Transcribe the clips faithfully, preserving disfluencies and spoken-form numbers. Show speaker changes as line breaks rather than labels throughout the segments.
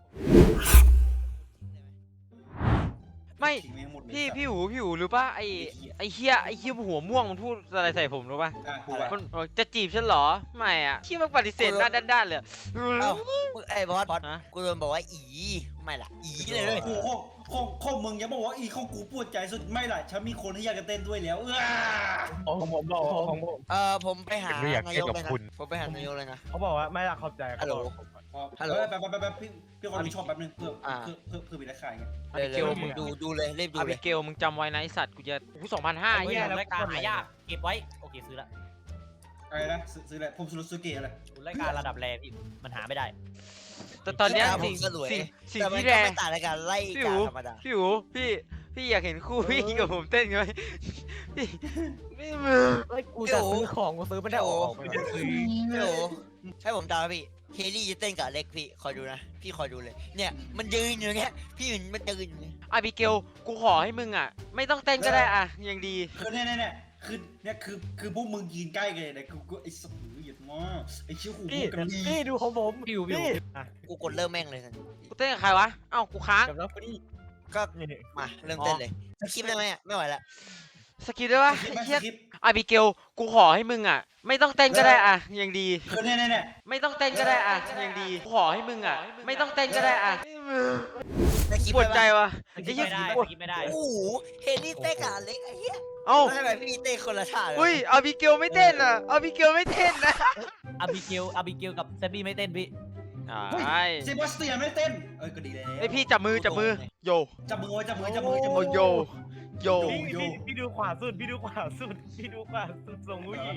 ไม่พี่พี่หูพี่หูหรือป่ะไอไอเฮียไอเฮียหัวม่วงมันพูดอะไรใส่ผมรู้ป่ะมันจะจีบฉันเหรอไม่อ่ะเฮียมันปฏิเสธหน้าด้านๆเลย
เอ้าไอ้บอสกูโดนบอกว่าอีไม่ล่ะอีเลยเลย
กูข้องข้องข้องมึงอย่าบอกว่าอีข้องกูปวดใจสุดไม่ล่ะฉันมีคนที่อยากจะเต้นด้วยแล้วเออ
ของผมบอกของผม
เออผมไปหานายกเลยนะผมไปหานายกเลยนะ
เขาบอกว่าไม่ละเข้าใจ
ฮัลโหล
ฮัลโหลแป๊บแป๊บแป๊บพี่พี่คนมีชอบแป๊บนึงเพื่อเพื่อเพื่อเพื่อมีราคาไง
เร็วๆมึงดูดูเลยรีบดู
อา
เล
บิ
ย
เกลมึงจำไว้นะไอสัตว์กูจะกูสองพันห้า
ไอ้
เฮี
เหี้
ย
ยรายการหายากเก็บไว้โอเคซื้อละ
อะไรนะซื้ออะไรผมซื้อซูเกะอะไร
รายการระดับแรพี่มันหาไม่ได้
แต่ตอนเนี้ย
ผ
สิ่
ม
ง
สวย
สิ่งสิ่ง
แต่มัน
ที่
ก็
แรง
ไม่ต่างในการไล่
พี่
กา
หู
รธรรมดา
พี่หูพี่พี่อยากเห็นคู่พี่กับผมเต้นกันไหมพี่ไม่มือ
ไอ้กูจะซื้อของกูซื้อไม่ได้ออกไม่ได้ซื้อ
โอ้โหให้ผมตามพี่เฮลี่จะเต้นกับเล็กพี่คอยดูนะพี่คอยดูเลยเนี่ยมันยืนอยู่เงี้ยพี่มันมันยืนอยู่เนี่ย
อาบิเกลกูขอให้มึงอ่ะไม่ต้องเต้นก็ได้อ่ะยังดี
คือเนี่ยเนี่ยคือเนี่ยคือคือพวกมึงยืนใกล้กันเลยนะกูกูไอ้สัตว์เหยียดมากไอ้เชี่ยวหู
พี่
กันดี
พี่ดูของผม
พี่หูพี่หู
อ่ะ
กูกดเริ่มแม่งเลยทันที
กูเต้นกับใครวะเอ้ากูค้าง
กับน้องพี่
ก็
นี่
มาเริ่มเต้นเลยคลิปได้ไหมอ่ะไม่ไหวละ
สกิปได้ปะ
คลิป
ไอ้
ไหม
เหี้ย
คลิป
อาบิเกลกูขอให้มึงอ่ะไม่ต้องเต้นก็ได้อ่ะยังดี
คือเนี่ยเนี่ยเนี่ย
ไม่ต้องเต้นก็ได้อ่ะยังดีกูขอให้มึงอ่ะไม่ต้องเต้นก็ได้อ่ะ
ในคลิป
ปวดใจ
ได้ปะ
วะ
สกิ
ไอ้
ป
เหี้ย
ไม่ได้
ปวด
สกิปไม่ได้
โอ้โหเฮลี่เต้นกับเล็กไอ้เหี้ย
เอ้า
ทำไมพี่เต้นคนละท่าเลย
อุ้ยอาบิเกลไม่เต้นอ่ะอาบิเกลไม่เต้นนะ
อาบิเกลอาบิเกลกับแซมบี้ไม่เต้นพี่
ใช่
เซบาสเตียนไม่เต้นเออก็ดีแล้ว
ไอพี่จับมือจับมือโย
จับมือไว้จับมือจับมือจับมื
โอ
อ
โยโย
พี่พี่พี่ดูขวาสุดพี่ดูขวาสุดพี่ดูขวาสุดส่งผู้หญิง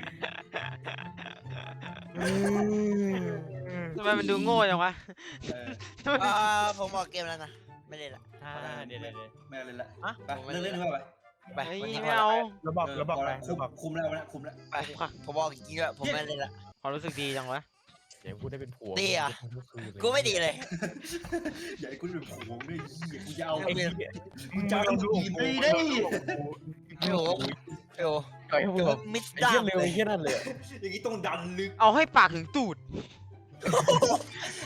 ทำไมมันดูโง่จังวะ
เออ
อ่าผมออกเกมแล้วนะไม่เล่นละ
อ่าเดี๋ยวเดี๋ยวเดี๋ยว
ไม่เอาเลยละ
อะ
ไปเลิกเล่นดีกว่าไป
ไป
ไอ้
วันนี้
ไม่เอา
เราบอกเราบอก
พ
ไป
ละคุม
เราบอก
คุมแล้วนะคุมแล้ว
ไปผมบอกจริงๆด้วยผมไม่เล่นละ
ความรู้สึกดีจังวะ
เดี๋ยวกูได้เป็นผัว
ดีอ่ะ กูไม่ดีเลย
อย่าให้กูเป็นผัวด้วยยี่กูจะเอา
ไอ้เนี่ย
กูจะเอาดูดีไม่ได้
โอ้โหโอ้โห
ไอ้พวก
มิส
ไอ้
ดา
เหี้ยเร็วไอ้เหี้ยนั่นเลย
อย่างนี้ต้องดันลึก
เอาให้ปากถึงตูด